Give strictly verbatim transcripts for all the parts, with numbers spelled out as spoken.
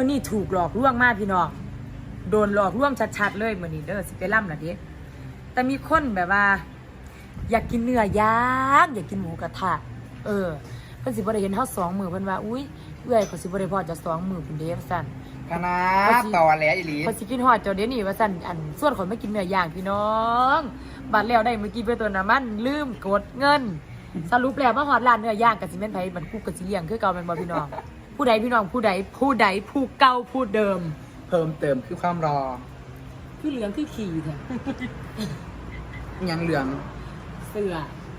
อนี่ถูกหลอกลวงมากพี่น้องโดนหลอกลวงชัดๆเลยมื้อนี้เด้อสิไปล่ำล่ะเด้แต่มีคนแบบว่าอยากกินเนื้อย่างอยากกินหมูกระทะเออเพิ่นสิบ่ได้เห็นเฮาสองมื้อเพิ่นว่าอุ้ยเอื้อยเขาสิบ่ได้พอจะสองมื้อพุ่นเด้ว่าซั่นคณะต่อแหลอีหลีเขาสิกินฮอดเจ้าเดี๋ยวนี้ว่าซั่นอันส่วนคนไม่กินเนื้อย่างพี่น้องบัดแล้วได้เมื่อกี้ไปตัวน้ำมันลืมกดเงินสรุปแล้วมาฮอดร้านเนื้อย่างก็สิแม่นไผบัดกูก็สิเลี้ยงคือเก่าแม่นบ่พี่น้องผู้ใดพี่น้องผู้ใดผู้ใดผู้เก่าผู้เดิมเพิ่มเติมคือความรอคือเหลืองคือขี่แท้ยังเหลืองเสือ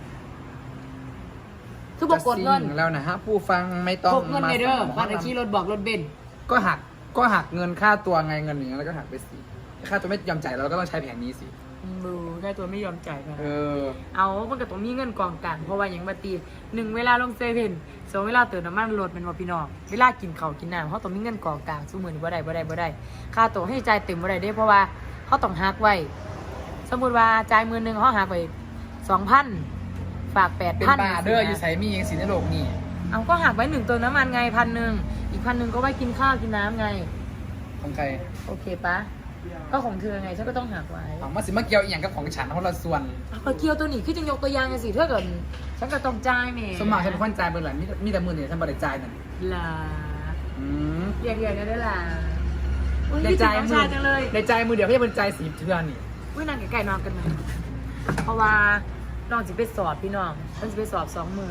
คือบอกกดเงินจะสิ่งแล้วนะฮะผู้ฟังไม่ต้องกดเงินมาในเด้อบ้านไอชี้รถบอกรถเบนซ์ก็หักก็หักเงินค่าตัวไงเงินอย่างเงี้ยแล้วก็หักไปสิค่าตัวไม่ยอมจ่ายเราก็ต้องใช้แผนนี้สิมือได้ตัวไม่ยอมจ่ายค่ะเออเอามันก็ต้องมีเงินกองกลางเพราะว่าอย่างมาตีหนึ่งเวลาลงเซเว่นสองเวลาเติมน้ำมันรถเป็นว่าพี่น้องเวลากินข้าวกินน้ำเขาต้องมีเงินกองกลางสู้มือนี่บ่ได้บ่ได้บ่ได้ค่าตัวให้จ่ายเต็มบ่ได้เด้เพราะว่าเขาต้องหักไว้สมมติว่าจ่ายหมื่นหนึ่งเขาหักไว้สองพันฝากแปดเป็นพันบาเด้ออยู่ใส่มีเองสิในโลกนี่เอาก็หักไว้หนึ่งเติมน้ำมันไงพันหนึ่งอีกพันหนึ่งก็ไว้กินข้าวกินน้ำไงของใครโอเคปะก็ของเธอไงฉันก็ต้องหักไว้ของมาสิมาเกี่ยวอีกอย่างกับของฉันเพราะเราส่วนเอาไปเกี่ยวตัวนี้คือจะยกตัวอย่างไงสิเท่ากับฉันก็ต้องจ่ายแหม่สมมาฉันเป็นคนจ่ายเบอร์หลังมีมีแต่มือเนี่ยฉันบริจ่ายนั่นลาอืมเรียกเรียกกันได้ล่ะอุ้ยในพี่ใจจ่ายน้องมืชายจังเลยในใจมือเดียวเขาจะเป็นใจสีเทือนนี่อุ้ยนางไก่นอนกันไหมเพราะว่าน้องจะไปสอบพี่น้องมันจะไปสอบสองมือ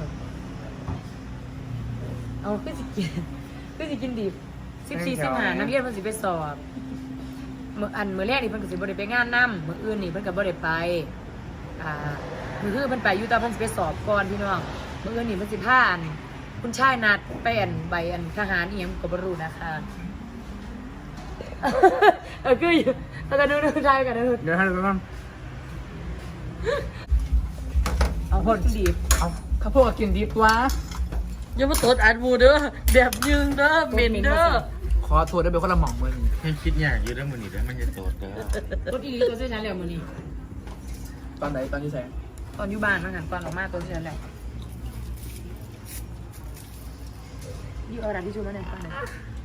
เอาขึ้นสิกินขึ้นสิกินดิบสิบสี่สิบห้านักเรียนมันสิไปสอบเมื่ออันเมื่อแรกนี่เพิ่นก็สิบ่ได้ไปงานนำมื้ออื่นนี่เพิ่นก็บ่ได้ไปอ่ามื้อคือเพิ่นไปอยู่แต่เพิ่นสิไปสอบก่อนพี่น้องมื้ออื่นนี่เพิ่นสิพาอันคุณชายนัดไปอันใบอันทหารอีหยังก็บ่รู้นะคะ เออคืออยู่แล้วก็ดูดูชายกันดูเดี๋ยวให้ดูก่อนเอาคนดีบเอาข้าวโพดกินดิบวะอย่ามาตดอัดมูเด้อแบบยึงเด้อเหม็นเด้อขอโทษด้วยเป็นคนละหม่องมือนี่ให้คิดอย่างอยู่แล้วมันนี่แล้วมันจะโตเด้อตดอีตัวเส้นนั้นแล้วมื้อนี้ตอนไหนตอนที่แสงตอนอยู่บ้านมันหันตอนออกมาตัวเส้นนั้นแล้วนี่เอากระดาษทิชชู่แล้วเนี่ยฟังหน่อย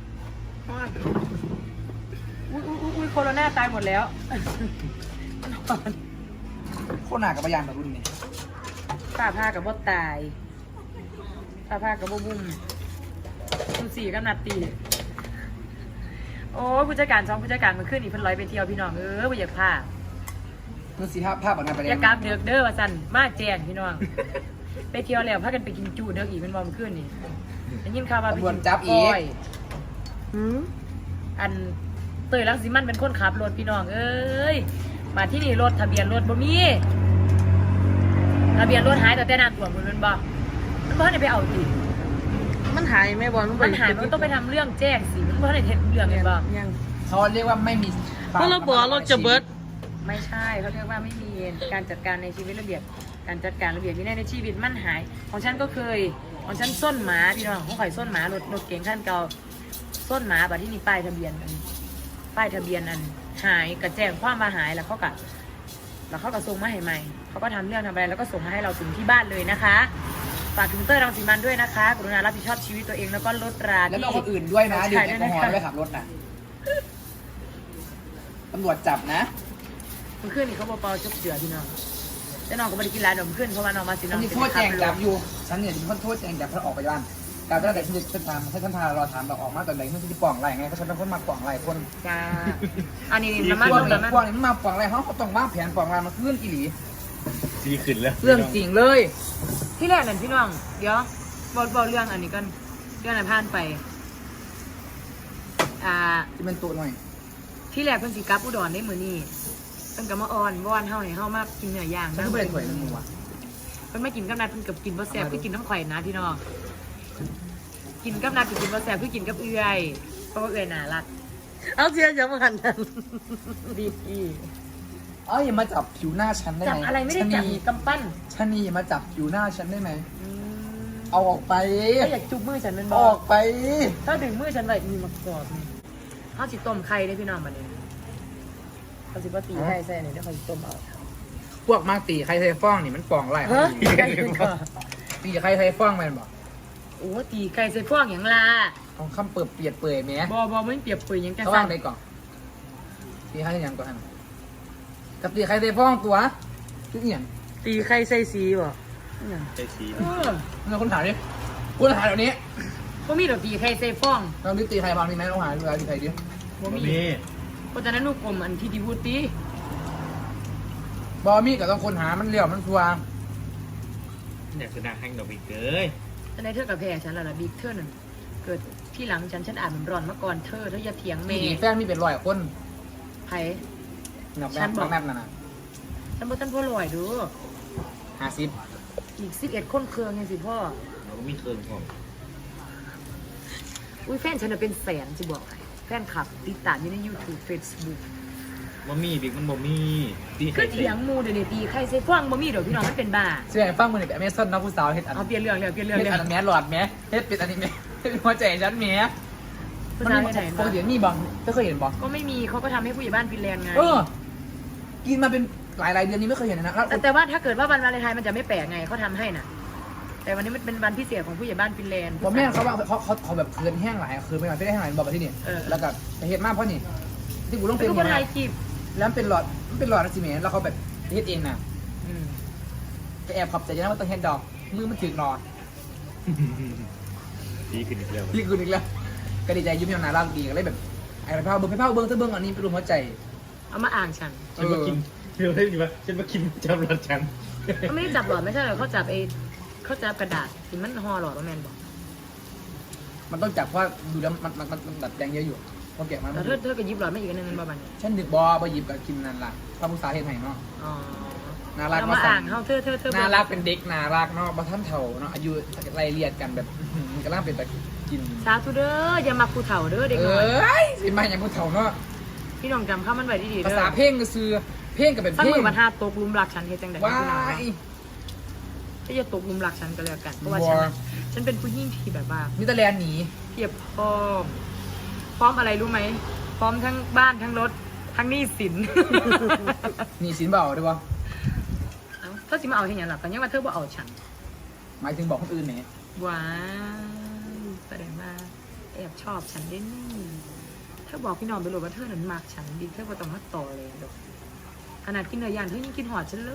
อุ้ยอุ้ยอุ้ยโคโรนาตายหมดแล้วโคตรหนากับพยานแบบรุ่นนี้ป้าผ้ากับบ่ตายป้าผ้ากับบ่บุ้มคุณสี่กับนัดตีโอ้ผู้จัดการช่องผู้จัดการมันขึ้นอีกเพิ่นร้อยไปเที่ยวพี่น้องเออบ่อยากพานั่นสิภาพภาพแบบนั้นไปอเลยย่ากราบเดือกเด้อว่าซั่นมาแจ้งพี่น้อง ไปเที่ยวแล้วพากันไปกินจูเด้ออีกเป็นบ่มันขึ้นนี่ได้ยินข่าวว่าไปกินก้อยหืออันเตยรังสิมันเป็นคนขับรถพี่น้องเอ้ยมาที่นี่รถทะเบียนรถบ่มีทะเบียนรถหายแต่แต่น้ำท่วมมันเป็นบ่มันบ่ได้ไปเอาติมันหายไหมบอลมันหายมันต้องไปทำเรื่องแจ้งสิมันบ่ได้เฮ็ดเรื่องเห็นบ่ยังเขาเรียกว่าไม่มีเพราะเราบอกเราจะเบิร์ดไม่ใช่เขาเรียกว่าไม่มีการจัดการในชีวิตระเบียบการจัดการระเบียบวินัยในชีวิตมันหายของฉันก็เคยของฉันส้นหมาพี่น้องของข่อยส้นหมารถรถเก๋งขั้นเก่าส้นหมาบัดที่มีป้ายทะเบียนอันป้ายทะเบียนอันหายกระแจ้งความมาหายแล้วเขาก็แล้วเขาก็ส่งมาให้ใหม่เขาก็ทำเรื่องทำอะไรแล้วก็ส่งมาให้เราถึงที่บ้านเลยนะคะฝากถึงเต้ยรังสีมันด้วยนะคะกรุณารับผิดชอบชีวิตตัวเองแล้วก็ลดราแล้วที่ก็คนอื่นด้วยนะดื่มแอลกอฮอล์ใช่ด้วยขับรถนะตำรวจจับนะมันขึ้นนี่เขาบอกเปาจุกเสือพี่น้องแต่น้องก็ไม่ได้กินร้านนมขึ้นเพราะว่าน้องมาสิน้ฉัอนงมีโทษแจงจับอยู่ฉันเนี่ยจะมีโทษแจงจับเพราะออกไปบ้านการตั้งแต่ฉันจะฉันทำให้ฉันพารอถามเราออกมาตอนไหนฉันจะป่องไรไงเพราะฉันเป็นคนมาป่องไรคนจ้าอันนี้อีน้ำมันพวกลงนี้น้ำมันพวกนี้มันมาป่องไรเขาต้องวางแผนป่องไรมาขึ้นอีหลีสีขึ้นแล้วเรื่องจริงเลยที่แรกนั่นพี่น้องเดี๋ยวบอกบอกเรื่องอันนี้กันเรื่องนั้นผ่านไปอ่าจะเป็นตัวหน่อยที่แรกเพิ่นสิกลับอุดรได้มื้อนี้เพิ่นก็มาอ้อนวอนเฮาให้เฮามากินเนื้อย่างฉันก็ไม่ได้ถวยนึงว่ะเพิ่นมากินกับนัดเพิ่นกับกินบ่แซ่บคือกินน้ำข่อยนะพี่น้องกินกับนัดคือกินบ่แซ่บคือกินกับเอื้อยเพราะว่าเอื้อยน่ารักเอาเสียจะมาหันนั้นดีอีเอ้ยอย่ามาจับผิวหน้าฉันได้จับไหมอะไรไม่ได้จับชะนีกำปั้นชะนีอย่ามาจับผิวหน้าฉันได้ไหมอืมเอาออกไปก็อยากจุบมือฉันเป็นบอออก กไปถ้าดึงมือฉันไว้มีมากรอบนี่เขาสิต้มไข่ได้พี่น้องมาเนี่ยเขาสิบ่ตีไข่ใส่เนี่ยเดี๋ยวเขาสิต้มเอาพวกมากตีใครใส่ฟ้องนี่มันป่องไรเฮ้ยไข่ถึงก่อนตีใครใส่ฟ้องมันบอกโอ้ตีไก่ใส่พวกอย่างล่ะเอาคำเปิดเปียดเปื่อยแหมบอบอไม่เปรียบเปรยหยังจังเขาซั่ว่าน งได้ก่อนตีใครอย่างก่อนกับตีใครได้ฟ้องตัวคืออีหยังตีไข่ใส่สีบ่อิหยังใช่สีเออเราคนถามดิคนถามเดี๋ยวนี้บ่มีดอกตีไก่ใส่ฟองเราดิตีใครบ้างมีไหมเราหาดูตีใครดิบ่บะมีมี่เพราะฉะนั้นลูกกลมอันที่ที่พูดตีบอมีกับต้องคนหามันเลี้ยวมันชัวอยากชนะแข่งดอกอีกเอ้ยแต่ในเธอกับแพ้ฉันและล่ะบิ๊กเธอนั่นเกิดที่หลังฉันฉันอ่านมันร้อนมาก่อนเธอเธออย่าเถียงเมมีย์ดีแฟนมีเป็นร้อยคนไผนับแบฉับนบอกนับนั่นน่ะฉันบ่ทันพ่อลอยดูห้าสิบอีกสิบเอ็ดคนเครื่องยังสิพ่อเราก็มีเครื่องของอุ้ยแฟนฉันน่ะเป็นแสนสิบอกให้แฟนคลับติดตามอยู่ใน YouTube Facebook บะมี่บิ๊กมันบะมี่ตีคืไข่อใส่เถียงหมูเดี๋ยวนี้ตีใครใส่ฟองบ่มีดอกพี่น้องมันเป็นบ้าเชื่อฟังมือหนึ่งแบบเมซอนน้องผู้สาวเฮ็ดอันเอาเปลี่ยนเรื่องเลยเปลี่ยนเรื่องเฮ็ดเลยอันแมสหลอดแมสเฮ็ดเป็นอันนี้แมสเฮ็ดหัวใจฉันแมสผู้มันชายมีที่ไหนปกติมีบ้างไม่เคยเห็นบ้างก็ไม่มีเขาก็ทำให้ผู้ใหญ่บ้านฟินแลนด์ไงเออ กินมาเป็นหลายหลายๆเดือนนี้ไม่เคยเห็นนะแล้วแต่แต่ว่าถ้าเกิดว่าวันวาเลนไทน์มันจะไม่แปลกไงเขาทำให้น่ะ แต่วันนี้มันเป็นวันพิเศษของผู้ใหญ่บ้านฟินแลนด์ผมแม่เขาว่าเขาเขาเขาแบบคืนแห้งหลายคืนไม่มาไม่ได้แห้งหลายบอกมาที่นี่เออแล้วก็ไปเฮ็ดมากเพราะนี่ที่กูต้องเป็เป็น นคนไทไงยจีบแล้วมันเป็นหลอดมันเป็นหลอดนะสิเมแล้วเขาแบบเฮ็ดเองน่ะอืมไปแอบขับใจนะว่าต้องเฮ็ดดอกมือมันถึกหลอดตีขึ้นอีกแล้วพี่คืนอีกแล้วก็ดีใจยิ้มอย่างน่ารักดีก็เลยแบบไอ้ไปเผาเบิ้งไปเผาเบิ้งถ้าเบิ้งอันนี้เป็นรูปหัวใจเอามาอ่างฉันฉันมากินเดี๋ยวได้ดีวะฉันมากินจำรถฉันเขาไม่ได้จับหลอดไม่ใช่เหรอเขาจับไอ้เขาจับกระดาษที่มันห่อหลอดว่าแมนบอกมันต้องจับเพราะดูแล้วมันมันมันมันดัดแปลงเยอะอยู่พอแกะมาแต่เธอเธอก็ยิบหลอดไม่อีกอันหนึงมันประมาณนี้ฉันดึกบอบหยิบกับกินนั่นล่ะพระผู้สาวเฮ็ดให้เนาะอ๋อน่ารักเอามาอ่างเขาเธอเธอเธอน่ารักเป็นเด็กน่ารักเนาะบ่ท่านเฒ่าเนาะอายุไล่เลียดกันแบบมันก็ล่างเป็นตะกินสาธุเด้ออย่ามาคูเถ่าเด้อเด็กเอน้อย้ยสิมาอย่างผู้เฒ่าเนาะพี่น้องจำข้ามันไว้ดีๆภาเด้อษาเพลงก็คือเพลงก็เป็นฟังเพลงมือบันทาตกหลุมรักฉันเฮ็ดจังได๋ว้าพี่น้องยก็อย่าตกหลุมรักฉันก็แล้วกันเพราะว่าฉันน่ะฉันเป็นผู้หญิงที่แบบว่ามิตรแลนด์หนีเพียบพร้อม พร้อมอะไรรู้ไหม พร้อมทั้งบ้านทั้งรถทั้งหนี้สินหนีสินเบาได้ปะเอ้าเธอสิมาเอาที่ไหนล่ะกันยังว่าเธอบ่เอาฉันหมายถึงบอกคนอื่นเนี่ยว้าวแสดงว่าแอบชอบฉันได้นี่เธอบอกพี่น้องไปเลยว่าเธอนั้นมักฉันดีเธอบ่ต้องมาต่อเลยดอกขนาดกินเนื้อย่างเธอยังกินหอดฉันเลย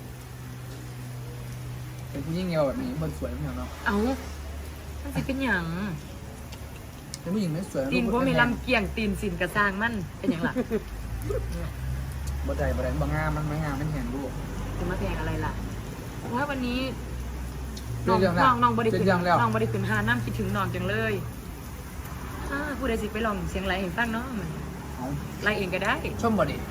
เป็นผู้หญิงเงาแบบนี้มันสวยไม่เหรอเนาะเอ้ามันสิเป็นหยังเป็นผู้หญิงไม่สวยตีนพวกมีลำเกียงตีนสินกระซางมันเป็นหยังล่ะบ่ใจบ่ได้บ่งามมันไม่งามมันเห็นลูกจะมาแพงอะไรล่ะว่าวันนี้น้องเรื่องแล้วน้องน้องบริเป็ขึ้นนเรื่องแล้วน้องบริขึ้นหาน้ำคิดถึงน้องจังเลยอ่าผู้ใดสิไปลองเสียงไรเห็นฟังเนาะมันเอาไรเองก็ได้ชมบ่ดิ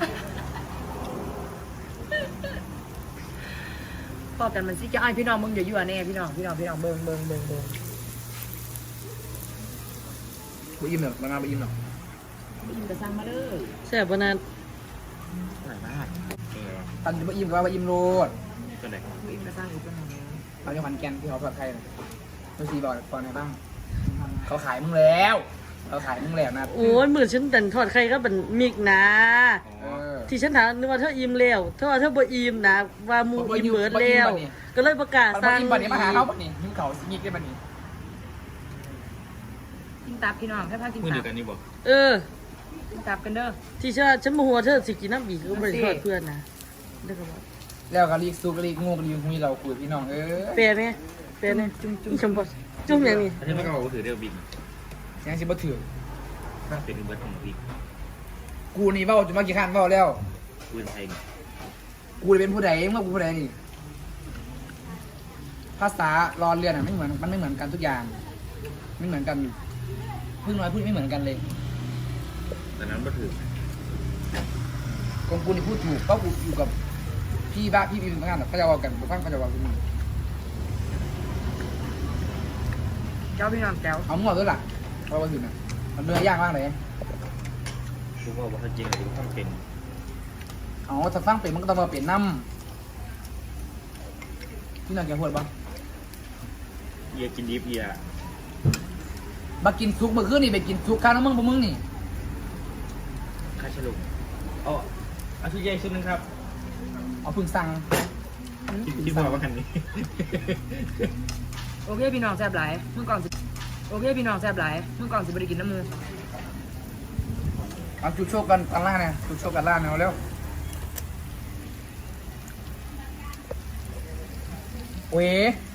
พอกันมันสิจะไอายพี่น้องมึงอย่าอยู่อ่ะแน่พี่น้องพี่น้องพี่น้องเบิ่งเบิ่งเบิ่งเบิ่งบ่อิ่มหรอกบ่งามบ่อิ่มหรอกได้ยินกระซังมาเลยแซ่บบ่นานอร่อยมากเออตอนนี้บ่อิ่มก็ว่าบ่อิ่มโลดตัวไหนได้ยินกระซังอีกเป็นหนึ่งตอนนี้ขอนแก่นที่เขาปลอดภัยนะดูสิบอกก่อนไหนบ้าง เขาขายมึงแล้วเขาขายมึงแล้วนะโอ้ยมื้อฉันดันทอดไข่ก็เป็นมิกนะเออที่ฉันถามนึกว่าเธออิ่มแล้วเธอว่าเธอบ่อิ่มนะว่าหมูบ่อิ่อิ่มมเบิดบ่อิ่แล้วมบัดนี้ก็เลยประกาศมันสั่บ่งอิ่มบัดนี้มาหาเขาบัดนี้หิ้วเขาสิมีได้บัดนี้กินตับพี่น้องแค่พากินมือตัเดียบวกันนี่บอกเออกินตับกันเด้อที่ฉันฉันบ่ฮู้ว่าเธอสิกินน้ำบีกก็บ่ได้ทอดเพื่อนนะเด้อก็บอกแล้วก็รีกซูกรีกงูกรีกหุยเราคุยพี่น้องเออแปลไหมแปลไหมจุ่มจุ่มชมบ่จุ่มอย่างนี้ถ้าฉันไม่ก็บอกว่าถือเดียวบิ๊กยังสิบ่ถือถ้าเป็นเบิร์ดของบิ๊กกูนี่เว้าจะมากี่ครั้งเว้าแล้วปืนไทยนี่กูเป็นผู้ใดเมื่อกูผู้ใดนี่ภาษารอเรือนอ่ะไม่เหมือนมันไม่เหมือนกันทุกอย่าง ไม่เหมือนกันพูดน้อยพูดไม่เหมือนกันเลยแต่นั้นก็ถือของกูนี่พูดถูกเพราะกูอยู่กับพี่บ้าพี่พี่เป็นพนักงานเขาจะว่ากันกูฟังเขาจะว่ากูนี่เจ้าพี่น้องแก้วเอามึงเอาด้วยล่ะเพราะว่าถึงนะมันเนื้อย่างมากเลยกูบอกว่าจริงหรือต้องเป็นเอาถ้าฟังเป็นมันก็ต้องมาเปลี่ยนน้ำพี่น้องแกพูดปะเอียกินดิฟเอียมากินซุกเมื่อคืนนี่ไปกินซุกข้าวน้ำมึงปะมึงนี่ค่าฉลุกอ๋อเอาชุดใหญ่ชุดนึงครับเอาพึ่งสั่งที่ที่บอกว่าคันนี้โอเคพี่น้องแซ่บหลายมึงก่อนสิโอเคพี่น้องแซ่บหลายมึงก่อนสิบริกินน้ำมูเอาจุดโชคกันกันล่างเนี่ยจุดโชคกันล่างเนี่ยเอาเร็วเว้